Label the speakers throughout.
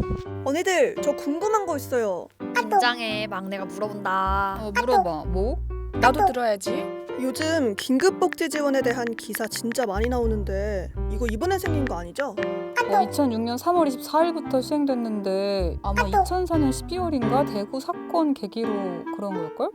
Speaker 1: 언니들, 저 궁금한 거 있어요.
Speaker 2: 긴장해. 막내가 물어본다.
Speaker 3: 물어봐. 뭐?
Speaker 4: 나도 들어야지.
Speaker 1: 요즘 긴급복지 지원에 대한 기사 진짜 많이 나오는데 이거 이번에 생긴 거 아니죠?
Speaker 3: 2006년 3월 24일부터 시행됐는데 아마 2004년 12월인가 대구 사건 계기로 그런 걸걸?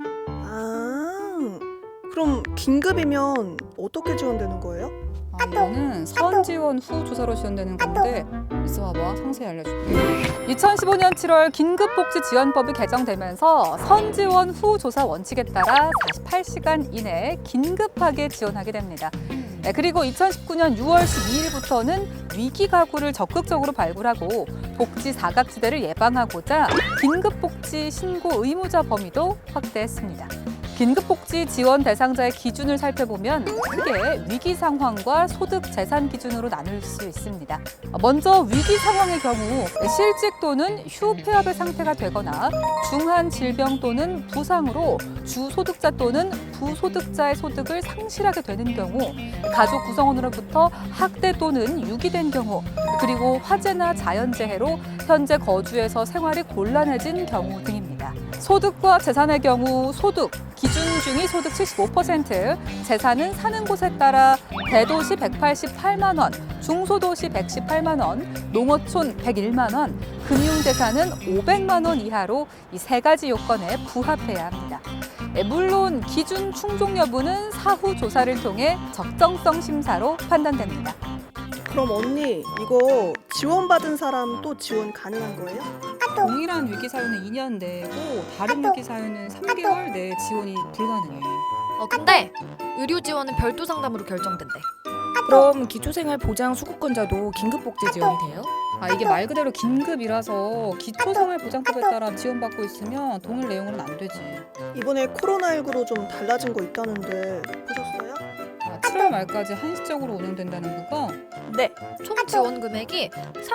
Speaker 1: 아, 그럼 긴급이면 어떻게 지원되는 거예요?
Speaker 3: 이거는 선 지원 후 조사로 지원되는 건데 있어봐봐. 상세히 알려줄게. 2015년 7월 긴급복지지원법이 개정되면서 선 지원 후 조사 원칙에 따라 48시간 이내에 긴급하게 지원하게 됩니다. 그리고 2019년 6월 12일부터는 위기 가구를 적극적으로 발굴하고 복지 사각지대를 예방하고자 긴급복지 신고 의무자 범위도 확대했습니다. 긴급복지 지원 대상자의 기준을 살펴보면 크게 위기 상황과 소득 재산 기준으로 나눌 수 있습니다. 먼저 위기 상황의 경우 실직 또는 휴 폐업의 상태가 되거나 중한 질병 또는 부상으로 주소득자 또는 부소득자의 소득을 상실하게 되는 경우, 가족 구성원으로부터 학대 또는 유기된 경우, 그리고 화재나 자연재해로 현재 거주에서 생활이 곤란해진 경우 등입니다. 소득과 재산의 경우 소득, 기준 중위 소득 75%, 재산은 사는 곳에 따라 대도시 188만 원, 중소도시 118만 원, 농어촌 101만 원, 금융재산은 500만 원 이하로 이 세 가지 요건에 부합해야 합니다. 물론 기준 충족 여부는 사후 조사를 통해 적정성 심사로 판단됩니다.
Speaker 1: 그럼 언니, 이거 지원받은 사람 또 지원 가능한 거예요?
Speaker 3: 동일한 위기 사유는 2년 내고 다른 위기 사유는 3개월 내에 지원이 불가능해.
Speaker 2: 근데 의료 지원은 별도 상담으로 결정된대.
Speaker 4: 그럼 기초생활보장 수급권자도 긴급복지 지원이 돼요?
Speaker 3: 이게 말 그대로 긴급이라서 기초생활보장법에 따라 지원받고 있으면 동일 내용으로는 안 되지.
Speaker 1: 이번에 코로나19로 좀 달라진 거 있다는데 보셨어요?
Speaker 3: 7월 말까지 한시적으로 운영된다는 거가?
Speaker 2: 네. 총 지원 금액이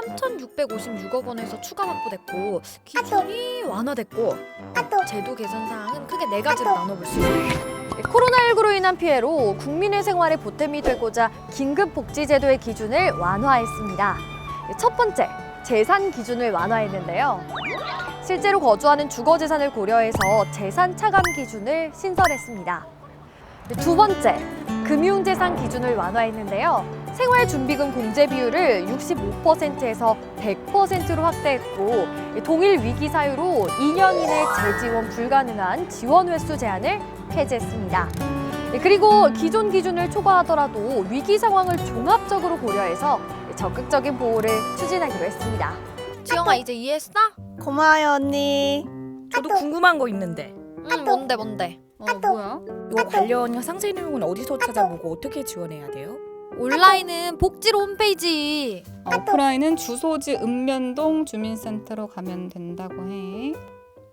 Speaker 2: 3,656억 원에서 추가 확보됐고 기준이 완화됐고 제도 개선 사항은 크게 네 가지로 나눠볼 수 있어요.
Speaker 5: 코로나19로 인한 피해로 국민의 생활에 보탬이 되고자 긴급복지제도의 기준을 완화했습니다. 첫 번째, 재산 기준을 완화했는데요. 실제로 거주하는 주거재산을 고려해서 재산 차감 기준을 신설했습니다. 두 번째, 금융재산 기준을 완화했는데요. 생활준비금 공제 비율을 65%에서 100%로 확대했고 동일 위기 사유로 2년 이내 재지원 불가능한 지원 횟수 제한을 폐지했습니다. 그리고 기존 기준을 초과하더라도 위기 상황을 종합적으로 고려해서 적극적인 보호를 추진하기로 했습니다.
Speaker 2: 지영아 이제 이해했어?
Speaker 1: 고마워요, 언니.
Speaker 4: 저도 궁금한 거 있는데.
Speaker 2: 뭔데?
Speaker 3: 뭐야?
Speaker 4: 이거 관련 상세 내용은 어디서 찾아보고 어떻게 지원해야 돼요?
Speaker 2: 온라인은 복지로 홈페이지.
Speaker 3: 오프라인은 주소지 읍면동 주민센터로 가면 된다고 해.